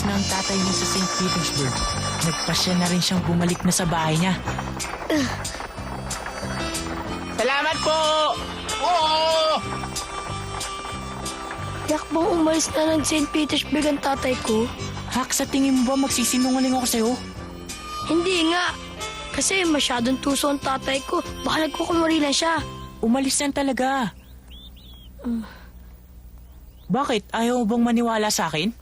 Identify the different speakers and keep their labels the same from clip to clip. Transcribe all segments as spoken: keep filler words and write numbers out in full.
Speaker 1: umalis na ang tatay niya sa Saint Petersburg, nagpasya na rin siyang bumalik na sa bahay niya. Salamat po! Oo!
Speaker 2: Yak bang umalis na ng Saint Petersburg ang tatay ko?
Speaker 1: Hak, sa tingin mo ba magsisinungaling ako sa'yo?
Speaker 2: Hindi nga. Kasi masyadong tuso ang tatay ko. Baka nagkukumari lang siya.
Speaker 1: Umalis na talaga.
Speaker 2: Uh.
Speaker 1: Bakit? Ayaw mo bang maniwala sa akin?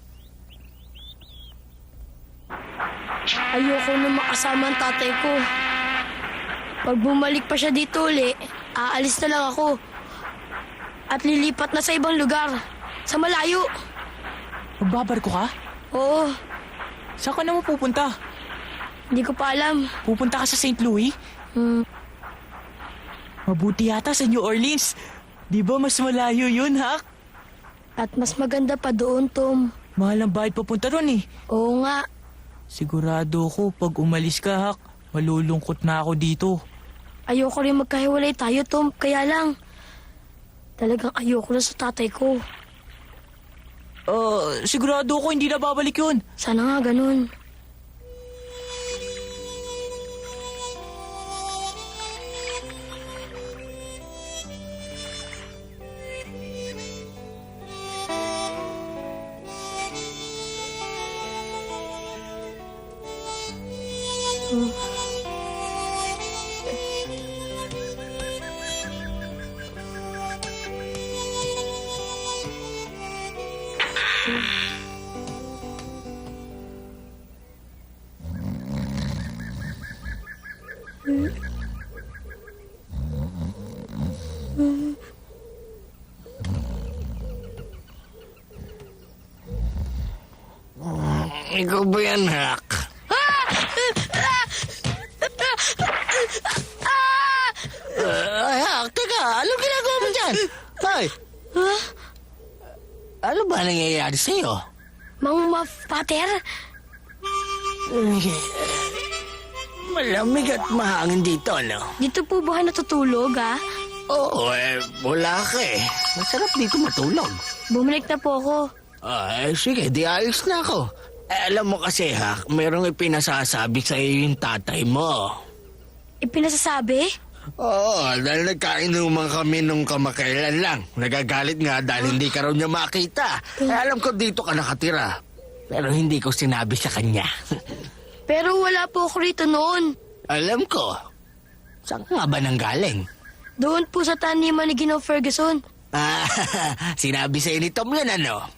Speaker 2: Ayoko na makasama ang tatay ko. Pag bumalik pa siya dito uli, aalis na lang ako. At lilipat na sa ibang lugar. Sa malayo.
Speaker 1: Magbabarko ka?
Speaker 2: Oo,
Speaker 1: Saan ka naman pupunta?
Speaker 2: hindi ko pa alam.
Speaker 1: Pupunta ka sa Saint Louis?
Speaker 2: Hmm,
Speaker 1: Mabuti yata sa New Orleans. Di ba mas malayo yun, Hak?
Speaker 2: at mas maganda pa doon, Tom.
Speaker 1: Mahal ang bayad papunta ron eh.
Speaker 2: Oo nga.
Speaker 1: Sigurado ko pag umalis ka, Hak, malulungkot na ako dito.
Speaker 2: Ayoko rin magkahiwalay tayo, Tom. Kaya lang, talagang ayoko na sa tatay ko.
Speaker 1: Uh, sigurado ko hindi na babalik yun.
Speaker 2: Sana nga ganun.
Speaker 3: Ikaw ba yan, Hak? Ay, Hak, teka, anong ginagawa mo dyan? Hoy! Ano ba nangyayari sa'yo?
Speaker 2: Mang ma-pater?
Speaker 3: Malamig at mahangin dito, no?
Speaker 2: Dito po ba kayo natutulog, ha?
Speaker 3: Oo, eh, wala ka eh. Masarap dito matulog.
Speaker 2: Bumalik na po ako.
Speaker 3: Ay, sige, di ayos na ako. Eh, alam mo kasi, Hak, mayroong ipinasasabi sa iyo yung tatay mo.
Speaker 2: Ipinasasabi?
Speaker 3: Oo, dahil nagkainuman kami nung kamakailan lang. Nagagalit nga dahil hindi ka raw niya makita. Eh, alam ko dito ka nakatira. Pero hindi ko sinabi sa kanya.
Speaker 2: Pero wala po ako rito noon.
Speaker 3: Alam ko. Saan ka nga ba nanggaling?
Speaker 2: Doon po sa taniman ni Ginoong Ferguson.
Speaker 3: Ah, sinabi sa ni Tom yun, ano?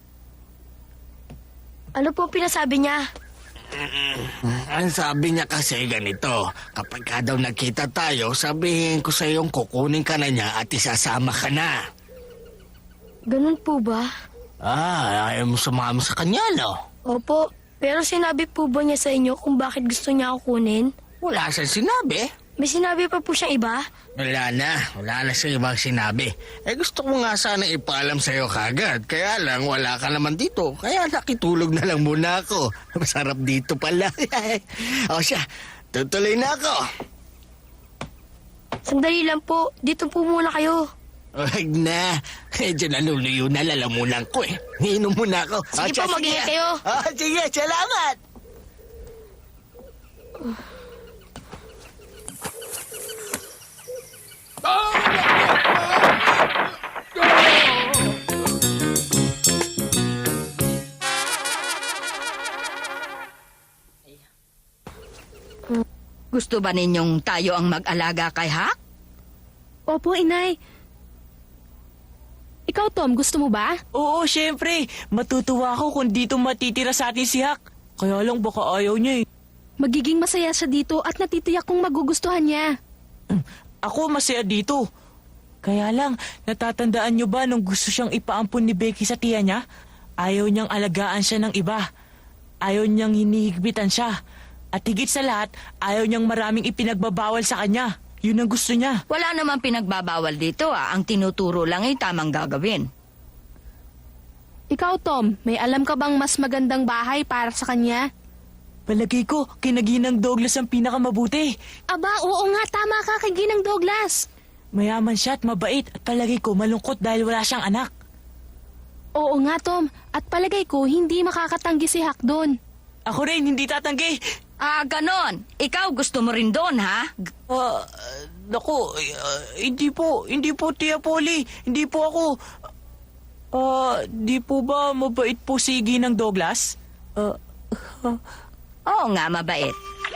Speaker 2: Ano po ang pinasabi niya?
Speaker 3: Ang sabi niya kasi ganito, kapag ka daw nagkita tayo, sabihin ko sa iyong kukunin ka na niya at isasama ka na.
Speaker 2: Ganun po ba?
Speaker 3: Ah, ayaw mo sumama sa kanya, no?
Speaker 2: Opo. Pero sinabi po ba niya sa inyo kung bakit gusto niya ako kunin?
Speaker 3: Wala siyang sinabi.
Speaker 2: May sinabi pa po siyang iba?
Speaker 3: Wala na. Wala na siya ibang sinabi. Eh gusto ko nga sana ipaalam sa'yo kagad. Kaya lang wala ka naman dito. Kaya nakitulog na lang muna ako. Masarap dito pala. O siya, tutuloy na ako.
Speaker 2: Sandali lang po. Dito po muna kayo.
Speaker 3: Huwag na. Medyo naluluyo na lalamunan ko eh. Iinom muna ako.
Speaker 2: Sige
Speaker 3: siya,
Speaker 2: po, mag-ingat kayo.
Speaker 3: Ah, sige, salamat.
Speaker 4: Gusto ba ninyong tayo ang mag-alaga kay Hak?
Speaker 5: Opo, inay. Ikaw, Tom, gusto mo ba?
Speaker 1: Oo, syempre. Matutuwa ako kung dito matitira sa atin si Hak. Kaya lang baka ayaw niya eh.
Speaker 5: Magiging masaya siya dito at natitiyak kong magugustuhan niya.
Speaker 1: Ako masaya dito. Kaya lang, natatandaan niyo ba nung gusto siyang ipaampun ni Becky sa tiya niya? Ayaw niyang alagaan siya ng iba. Ayaw niyang hinihigpitan siya. At higit sa lahat, ayaw niyang maraming ipinagbabawal sa kanya. Yun ang gusto niya.
Speaker 4: Wala namang pinagbabawal dito ah. Ang tinuturo lang ay tamang gagawin.
Speaker 5: Ikaw, Tom, may alam ka bang mas magandang bahay para sa kanya?
Speaker 1: Palagay ko, kinaginang Douglas ang pinakamabuti.
Speaker 5: Aba, oo nga, tama ka kay Ginang Douglas.
Speaker 1: Mayaman siya at mabait at palagay ko malungkot dahil wala siyang anak.
Speaker 5: Oo nga, Tom. At palagay ko, hindi makakatanggi si Hak doon.
Speaker 1: Ako rin, hindi tatanggi.
Speaker 4: Ah, ganon. Ikaw gusto mo rin doon, ha? G-
Speaker 1: Ah, naku, ah, hindi po, hindi po, Tia Polly. Hindi po ako. Ah, di po ba mabait po si Ginang Douglas? Ah,
Speaker 4: Oo nga, mabait.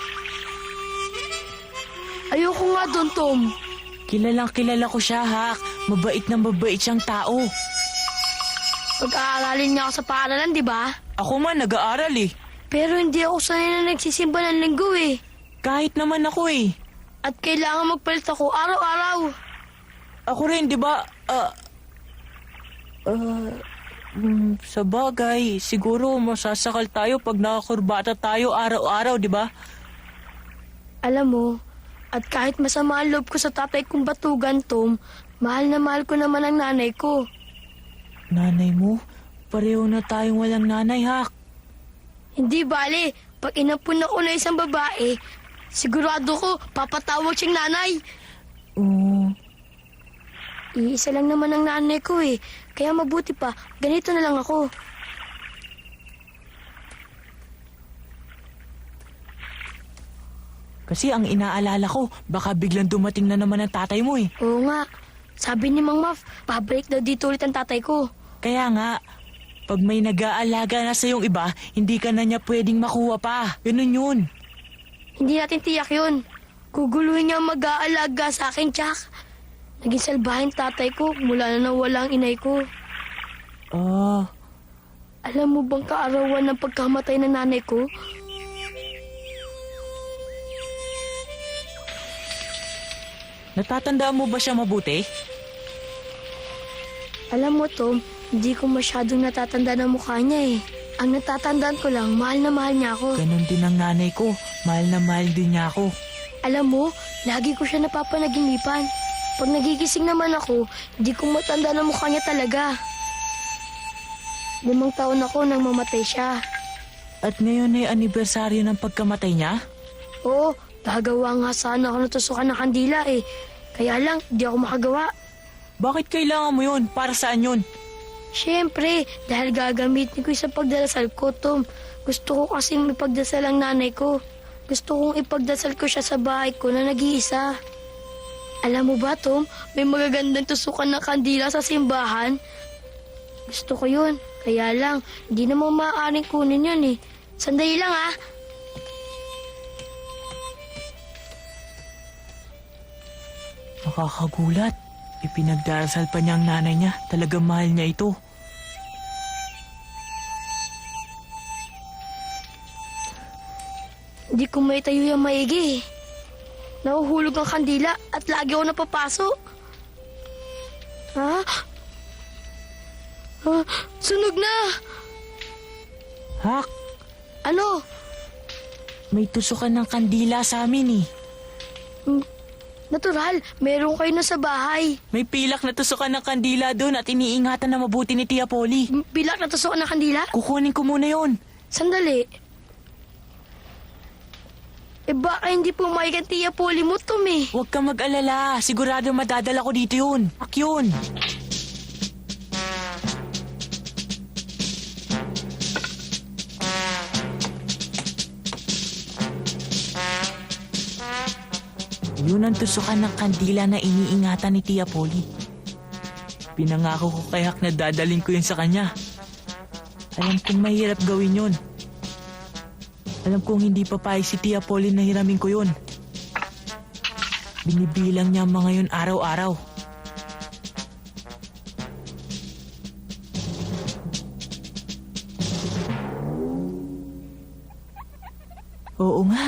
Speaker 2: Ayoko nga doon, Tom.
Speaker 1: kilalang kilala ko siya, Hak. Mabait na mabait siyang tao.
Speaker 2: Pag-aaralin niya ako sa paaralan, di ba?
Speaker 1: Ako man, nag-aaral eh.
Speaker 2: Pero hindi ako sanay na nagsisimba ng linggo eh.
Speaker 1: Kahit naman ako eh.
Speaker 2: At kailangan magpalit ako araw-araw.
Speaker 1: Ako rin, di ba? Ah, ah, mm, sa bagay, siguro masasakal tayo pag nakakurbata tayo araw-araw, di ba?
Speaker 2: Alam mo, at kahit masama ang loob ko sa tatay kong batugan, Tom, mahal na mahal ko naman ang nanay ko.
Speaker 1: Nanay mo? Pareho na tayong walang nanay, Hak.
Speaker 2: Hindi bale, pag inampun ako na isang babae, sigurado ko papatawag siyang nanay.
Speaker 1: Oo.
Speaker 2: Iisa lang naman ang nanay ko eh, kaya mabuti pa, ganito na lang ako.
Speaker 1: Kasi ang inaalala ko, baka biglang dumating na naman ang tatay mo eh.
Speaker 2: Oo nga, sabi ni Mang Maf, pabalik daw dito ulit ang tatay ko.
Speaker 1: Kaya nga, pag may nag-aalaga na sa yung iba, hindi ka na niya pwedeng makuha pa. Ganun yun.
Speaker 2: Hindi natin tiyak yun. Guguluhin niya ang mag-aalaga sa akin, Jack. Naging salbahin tatay ko mula na nawala ang inay ko.
Speaker 1: Ah,
Speaker 2: Alam mo bang kaarawan ng pagkamatay ng nanay ko?
Speaker 1: natatandaan mo ba siya mabuti?
Speaker 2: Alam mo, Tom, hindi ko masyadong natatanda ng mukha niya eh. Ang natatandaan ko lang, mahal na mahal niya ako.
Speaker 1: Ganun din ang nanay ko. Mahal na mahal din niya ako.
Speaker 2: Alam mo, lagi ko siya napapanaginipan. Pag nagigising naman ako, hindi ko matanda ng mukha niya talaga. Limang taon ako nang mamatay siya.
Speaker 1: At ngayon ay anibersaryo ng pagkamatay niya?
Speaker 2: Oo, gagawa nga sana ako natusukan ng kandila eh. Kaya lang, di ako makagawa.
Speaker 1: Bakit kailangan mo yun? Para saan yun?
Speaker 2: Siyempre, dahil gagamitin ko sa pagdarasal ko, Tom. Gusto ko kasing ipagdasal ang nanay ko. Gusto kong ipagdasal ko siya sa bahay ko na nag-iisa. Alam mo ba, Tom, may magagandang tusukan ng kandila sa simbahan. Gusto ko yun. Kaya lang, hindi naman maaaring kunin yun eh. Sandali lang ah.
Speaker 1: Nakakagulat. Ipinagdarasal pa niya ang nanay niya. Talagang mahal niya ito.
Speaker 2: Hindi ko may tayo yung maigi eh. Nahuhulog ang kandila at lagi ako napapaso. Ha? Ah, sunog na!
Speaker 1: Hak,
Speaker 2: Ano?
Speaker 1: may tusukan ng kandila sa amin eh.
Speaker 2: Natural, meron kayo na sa bahay.
Speaker 1: May pilak na tusukan ng kandila doon at iniingatan na mabuti ni Tia Polly.
Speaker 2: M- Bilak na tusukan ng kandila?
Speaker 1: Kukunin ko muna yon.
Speaker 2: Sandali. Eh baka hindi po maikantiya poli mo, Tom eh.
Speaker 1: Huwag kang mag-alala. Sigurado madadala ko dito yun. Ak yun. Yun ang tusukan ng kandila na iniingatan ni Tia Polly. Pinangako ko kay Hak na dadaling ko yun sa kanya. Alam kong mahirap gawin yun. Alam kong hindi papayag si Tia Polly na hiramin ko yun. Binibilang niya ang mga yun araw-araw. Oo nga.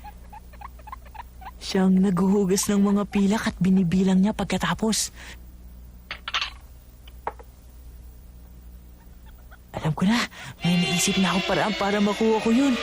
Speaker 1: Siyang naghuhugas ng mga pilak at binibilang niya pagkatapos. Alam ko na, may naisip na ako paraan para makuha ko yun.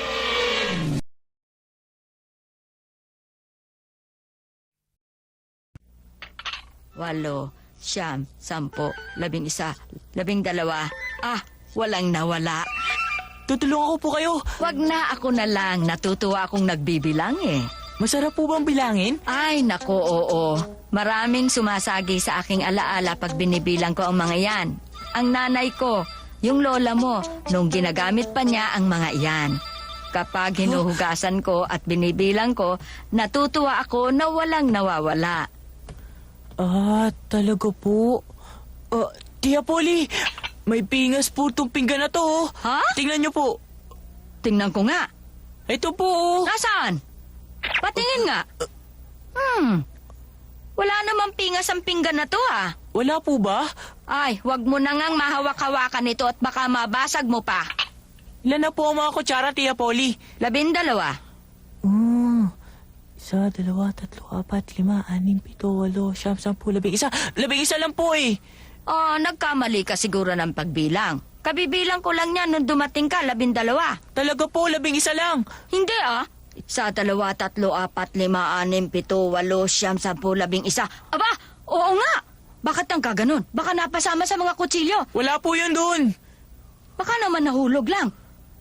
Speaker 4: Walo, siyam, sampo, labing isa, labing dalawa. Ah, walang nawala.
Speaker 1: Tutulungan ko po kayo.
Speaker 4: Wag na, ako na lang. Natutuwa akong nagbibilang eh.
Speaker 1: Masarap po bang bilangin?
Speaker 4: Ay, nako, oo. Maraming sumasagi sa aking alaala pag binibilang ko ang mga yan. Ang nanay ko, Yung lola mo, nung ginagamit pa niya ang mga iyan. Kapag hinuhugasan ko at binibilang ko, natutuwa ako na walang nawawala.
Speaker 1: Ah, talaga po. Ah, Tia Polly, may pingas po itong pinggan na to. oh.
Speaker 4: Ha?
Speaker 1: Tingnan niyo po.
Speaker 4: Tingnan ko nga.
Speaker 1: Ito po. oh.
Speaker 4: Nasaan? Patingin nga. Hmm. Wala namang pingas ang pinggan na to ah.
Speaker 1: Wala po ba?
Speaker 4: Ay, wag mo na ngang mahawak-hawakan ito at baka mabasag mo pa.
Speaker 1: Ilan na po ang mga kutsara, Tia Polly?
Speaker 4: Labindalawa.
Speaker 1: Hmm. Isa, dalawa, tatlo, apat, lima, anim, pito, walo, siyam, sampu, labing isa. Labing isa lang po eh.
Speaker 4: Oh, nagkamali ka siguro ng pagbilang. Kabibilang ko lang yan nung dumating ka, labindalawa.
Speaker 1: Talaga po, labing isa lang.
Speaker 4: Hindi ah. Isa, dalawa, tatlo, apat, lima, anim, pito, walo, siyam, sampu, labing isa. Aba, oo nga. Bakit ang kaganon? Baka napasama sa mga kutsilyo.
Speaker 1: Wala po yun doon.
Speaker 4: Baka naman nahulog lang.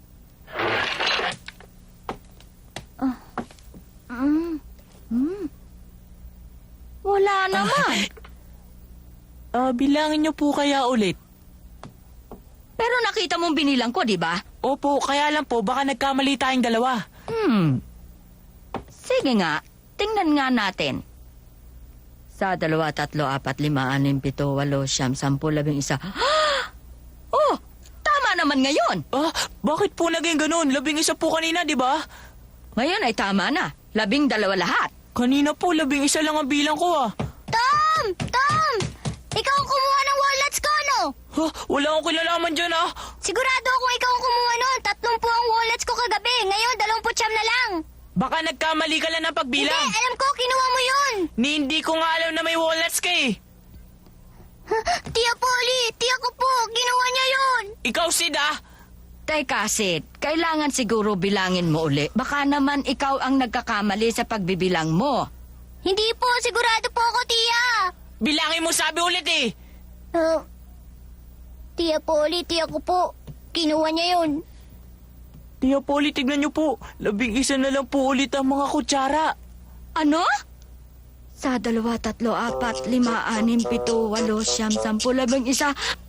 Speaker 4: Ah. Mm. Mm. Wala naman.
Speaker 1: Ah, bilangin niyo po kaya ulit.
Speaker 4: Pero nakita mong binilang ko, di ba?
Speaker 1: Opo, kaya lang po, baka nagkamali tayong dalawa.
Speaker 4: Hmm. Sige nga, tingnan nga natin. Sa dalawa, tatlo, apat, lima, anim, pito, walo, siyam, sampu, labing isa. Oh, tama naman ngayon.
Speaker 1: Ah, bakit po naging ganun? Labing isa po kanina, di ba?
Speaker 4: Ngayon ay tama na. Labing dalawa lahat.
Speaker 1: Kanina po, labing isa lang ang bilang ko ah.
Speaker 2: Tom! Tom! Ikaw ang kumuha ng wallets ko, no?
Speaker 1: Ha, wala akong kinalaman dyan ah.
Speaker 2: Sigurado akong ikaw ang kumuha nun. Tatlong po ang wallets ko kagabi. Ngayon, dalawamput siyam na lang.
Speaker 1: Baka nagkamali ka lang ng pagbilang.
Speaker 2: Hindi, alam ko, kinuha mo yun.
Speaker 1: Ni hindi ko nga alam na may wallets ka eh.
Speaker 2: Tia Polly, tia ko po, ginawa niya yun.
Speaker 1: Ikaw, Sid ah.
Speaker 4: Teka, Sid, kailangan siguro bilangin mo uli. Baka naman ikaw ang nagkakamali sa pagbibilang mo.
Speaker 2: Hindi po, sigurado po ako, tia.
Speaker 1: Bilangin mo sabi ulit eh.
Speaker 2: Uh, tia Polly, tia ko po, kinuha niya yun.
Speaker 1: Tia Polly, tignan niyo po. Labing isa na lang po ulit ang mga kutsara.
Speaker 4: Ano? Sa dalawa, tatlo, apat, lima, anim, pito, walo, siyam, sampu, labing isa.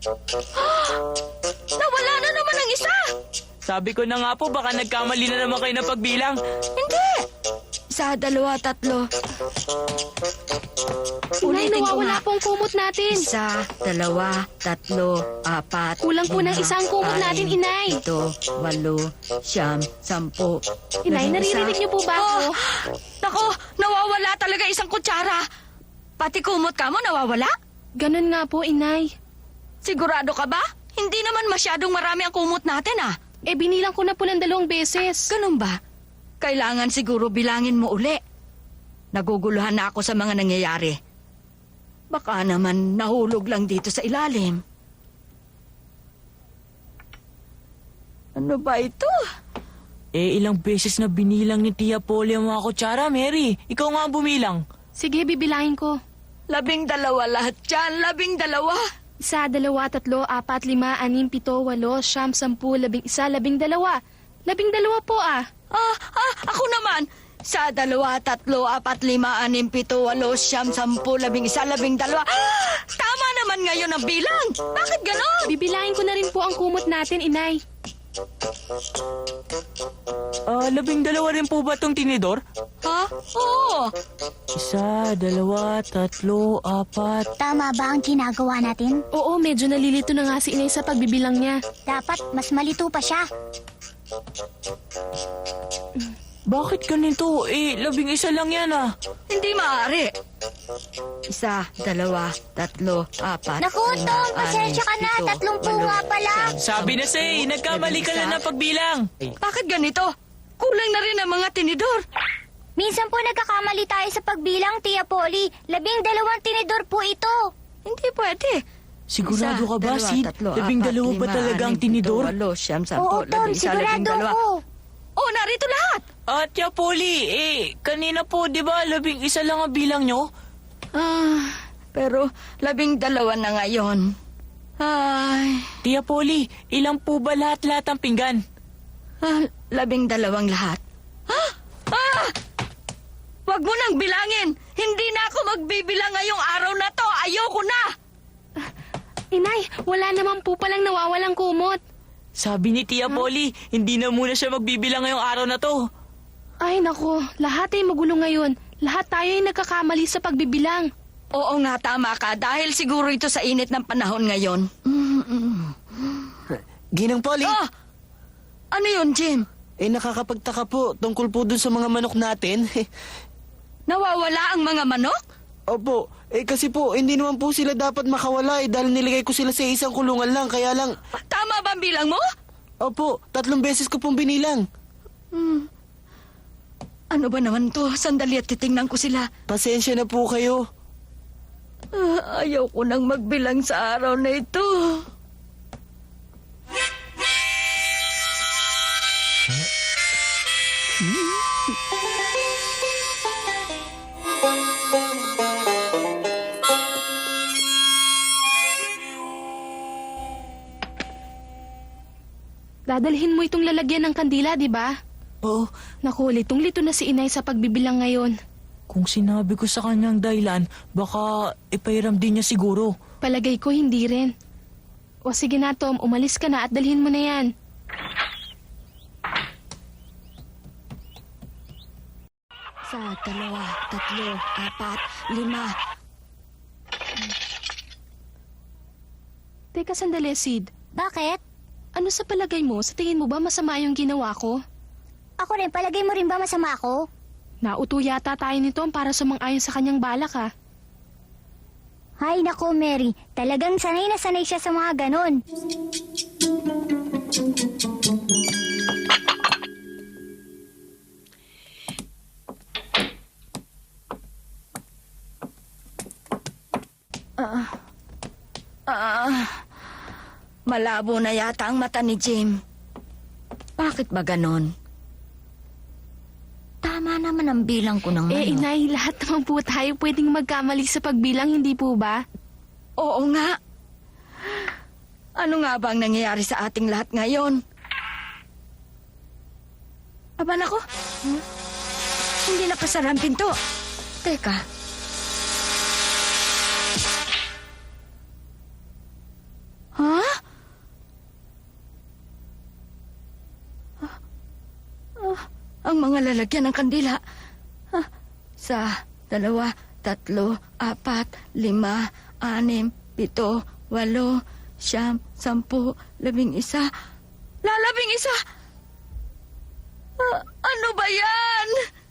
Speaker 4: Nawala na naman ang isa.
Speaker 1: Sabi ko na nga po, baka nagkamali na naman kayo ng pagbilang.
Speaker 4: Hindi. Sa dalawa, tatlo.
Speaker 5: Inay,
Speaker 4: Ulitin ko
Speaker 5: nawawala
Speaker 4: nga.
Speaker 5: po ang kumot natin.
Speaker 4: Isa, dalawa, tatlo, apat.
Speaker 5: Kulang po ng
Speaker 4: lima,
Speaker 5: isang kumot natin,
Speaker 4: anim,
Speaker 5: Inay.
Speaker 4: Pito, walo, siyam, sampu.
Speaker 5: Inay,
Speaker 4: labing isa.
Speaker 5: naririnig niyo po ba ako?
Speaker 4: Oh, nako, nawawala talaga isang kutsara. Pati kumot ka mo, nawawala?
Speaker 5: Ganun nga po, Inay.
Speaker 4: Sigurado ka ba? Hindi naman masyadong marami ang kumot natin ah.
Speaker 5: Eh, binilang ko na po ng dalawang beses.
Speaker 4: Ganun ba? Kailangan siguro bilangin mo uli. Naguguluhan na ako sa mga nangyayari. Baka naman nahulog lang dito sa ilalim. Ano ba ito?
Speaker 1: Eh, ilang beses na binilang ni Tia Polly ang mga kutsara, Mary. Ikaw nga ang bumilang.
Speaker 5: Sige, bibilangin ko.
Speaker 4: Labing dalawa lahat dyan. Labing dalawa.
Speaker 5: Isa, dalawa, tatlo, apat, lima, anim, pito, walo, siyam, sampu, labing isa, labing dalawa. Labing dalawa po ah.
Speaker 4: Ah, ah, ako naman. Sa dalawa, tatlo, apat, lima, anim, pito, walo, siyam, sampu, labing isa, labing dalawa. Ah, tama naman ngayon ang bilang. Bakit ganon?
Speaker 5: Bibilangin ko na rin po ang kumot natin, Inay.
Speaker 1: Ah, labing dalawa rin po ba itong tinidor?
Speaker 4: Ha? Oo.
Speaker 1: Isa, dalawa, tatlo, apat.
Speaker 2: Tama ba ang ginagawa natin?
Speaker 5: Oo, medyo nalilito na nga si Inay sa pagbibilang niya.
Speaker 2: Dapat mas malito pa siya.
Speaker 1: Bakit ganito? Eh, labing isa lang yan ah.
Speaker 4: Hindi maaari. Isa, dalawa, tatlo, apat.
Speaker 2: Naku,
Speaker 4: lima,
Speaker 2: Tom, pasensya
Speaker 4: anim,
Speaker 2: ka na.
Speaker 4: pito,
Speaker 2: Tatlong po
Speaker 4: walo,
Speaker 2: nga pala.
Speaker 4: siyam,
Speaker 1: Sabi na
Speaker 4: sampu,
Speaker 1: say, nagkamali ka
Speaker 4: labing
Speaker 1: lang
Speaker 4: isa.
Speaker 1: ng pagbilang.
Speaker 4: Bakit ganito? Kulang na rin ang mga tinidor.
Speaker 2: Minsan po nagkakamali tayo sa pagbilang, Tia Polly. Labing dalawang tinidor po ito.
Speaker 4: Hindi pwede.
Speaker 1: Sigurado
Speaker 4: Isa,
Speaker 1: ka ba,
Speaker 4: dalawa,
Speaker 1: Sid?
Speaker 4: tatlo,
Speaker 1: Labing
Speaker 4: apat,
Speaker 1: dalawa ba
Speaker 4: lima,
Speaker 1: talaga ang
Speaker 4: anim, pito,
Speaker 1: tinidor?
Speaker 4: walo, siyam, sampu,
Speaker 2: Oo, Tom,
Speaker 4: labing isa, labing
Speaker 2: sigurado
Speaker 4: dalawa.
Speaker 2: ako.
Speaker 4: Oh, narito lahat.
Speaker 1: At Tia Polly, eh, kanina po, di ba, labing isa lang ang bilang nyo?
Speaker 4: Ah, pero labing dalawa na ngayon. Ay,
Speaker 1: Tia Polly, ilang po ba lahat-lahat ang pinggan?
Speaker 4: ah, labing dalawang lahat. Ah! Ah! Huwag mo nang bilangin. Hindi na ako magbibilang ngayong araw na to. Ayoko na.
Speaker 5: Inay, wala naman po palang nawawalang kumot.
Speaker 1: Sabi ni Tia Polly, hindi na muna siya magbibilang ngayong araw na to.
Speaker 5: Ay nako, lahat ay magulo ngayon. Lahat tayo ay nagkakamali sa pagbibilang.
Speaker 4: Oo nga, tama ka. Dahil siguro ito sa init ng panahon ngayon.
Speaker 3: Ginang Polly,
Speaker 4: Oh! Ano yun, Jim?
Speaker 3: eh nakakapagtaka po tungkol po dun sa mga manok natin.
Speaker 4: Nawawala ang mga manok?
Speaker 3: Opo, eh kasi po, hindi naman po sila dapat makawala eh dahil nilagay ko sila sa isang kulungan lang, kaya lang,
Speaker 4: Tama ba ang bilang mo?
Speaker 3: opo, tatlong beses ko pong binilang.
Speaker 4: Ano ba naman to? Sandali at titingnan ko sila.
Speaker 3: Pasensya na po kayo.
Speaker 4: Ah, ayaw ko nang magbilang sa araw na ito.
Speaker 5: Dadalhin mo itong lalagyan ng kandila, di ba?
Speaker 1: Oo,
Speaker 5: Naku, litong-lito na si Inay sa pagbibilang ngayon.
Speaker 1: kung sinabi ko sa kanyang dahilan, baka ipairam din niya siguro.
Speaker 5: Palagay ko hindi rin. O sige na, Tom, umalis ka na at dalhin mo na yan.
Speaker 4: Sa dalawa, tatlo, apat, lima.
Speaker 5: Teka sandali, Sid.
Speaker 6: Bakit?
Speaker 5: Ano sa palagay mo? Sa tingin mo ba masama yung ginawa ko?
Speaker 6: Ako rin, palagay mo rin ba masama ako?
Speaker 5: Nauto yata tayo ni Tom para sumang-ayon sa kanyang balak, ha?
Speaker 6: Hay nako, Mary. Talagang sanay na sanay siya sa mga ganon.
Speaker 4: Ah, malabo na yata ang mata ni Jim. Bakit ba ganon? Tama naman ang bilang ko ng
Speaker 5: Eh,
Speaker 4: manok.
Speaker 5: Inay, lahat naman po tayo pwedeng magkamali sa pagbilang, hindi po ba?
Speaker 4: Oo nga. Ano nga ba ang nangyayari sa ating lahat ngayon? Aba nako. Hmm? Hindi nakasara ang pinto. Teka. Ha? Ah, ah, ang mga lalagyan ng kandila. Ah, sa dalawa, tatlo, apat, lima, anim, pito, walo, siyam, sampu, labing isa. Lalabing isa! Ah, ano ba yan?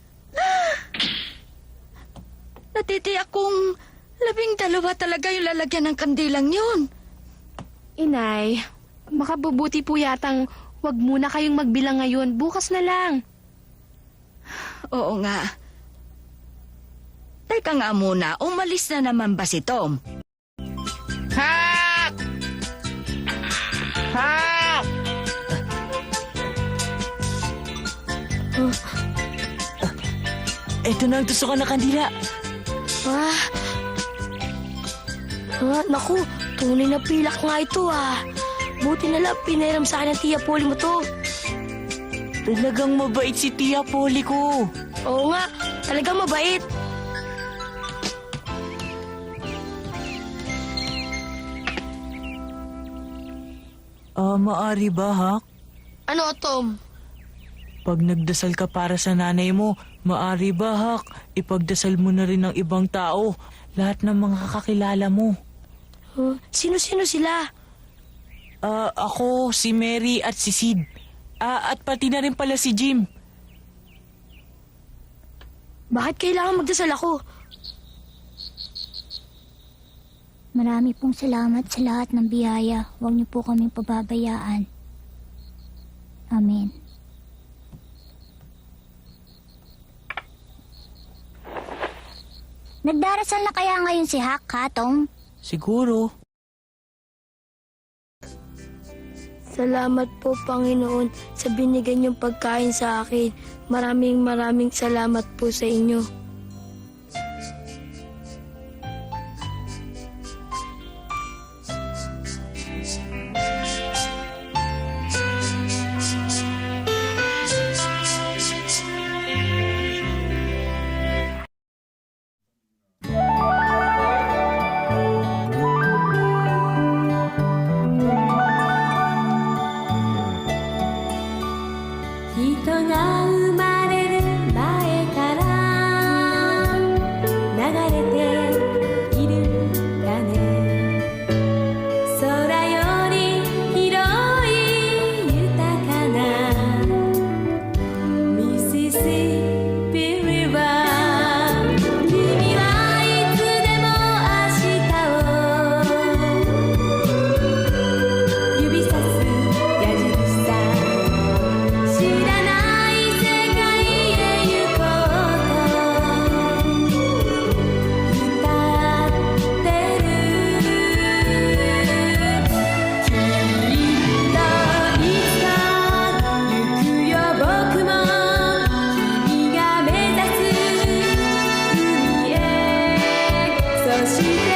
Speaker 4: Natitiyak kong labing dalawa talaga yung lalagyan ng kandilang yun.
Speaker 5: Inay, makabubuti po yatang wag muna kayong magbilang ngayon. Bukas na lang.
Speaker 4: Oo nga. Teka nga muna, umalis na naman ba si Tom?
Speaker 3: Hak! Hak!
Speaker 1: Eto na ang tusukan na kandila.
Speaker 2: Ah. Ah, naku, tunay na pilak nga ito ah. Buti na lang pinairam sa akin ng Tia Polly mo to.
Speaker 1: Talagang mabait si Tia Polly ko.
Speaker 2: Oo nga, talagang mabait.
Speaker 1: Ah, maari ba, Hak?
Speaker 2: Ano, Tom?
Speaker 1: Pag nagdasal ka para sa nanay mo, maari ba, Hak, ipagdasal mo na rin ng ibang tao, lahat ng mga kakilala mo.
Speaker 2: Huh? Sino-sino sila?
Speaker 1: Ah, ako, si Mary at si Sid. Ah, at pati na rin pala si Jim.
Speaker 2: Bakit kailangan magdasal ako?
Speaker 6: Marami pong salamat sa lahat ng biyaya. Huwag niyo po kaming pababayaan. Amen. Nagdarasal na kaya ngayon si Hak, ha, Tom?
Speaker 1: Siguro.
Speaker 2: Salamat po, Panginoon, sa binigay niyong pagkain sa akin. Maraming maraming salamat po sa inyo. Si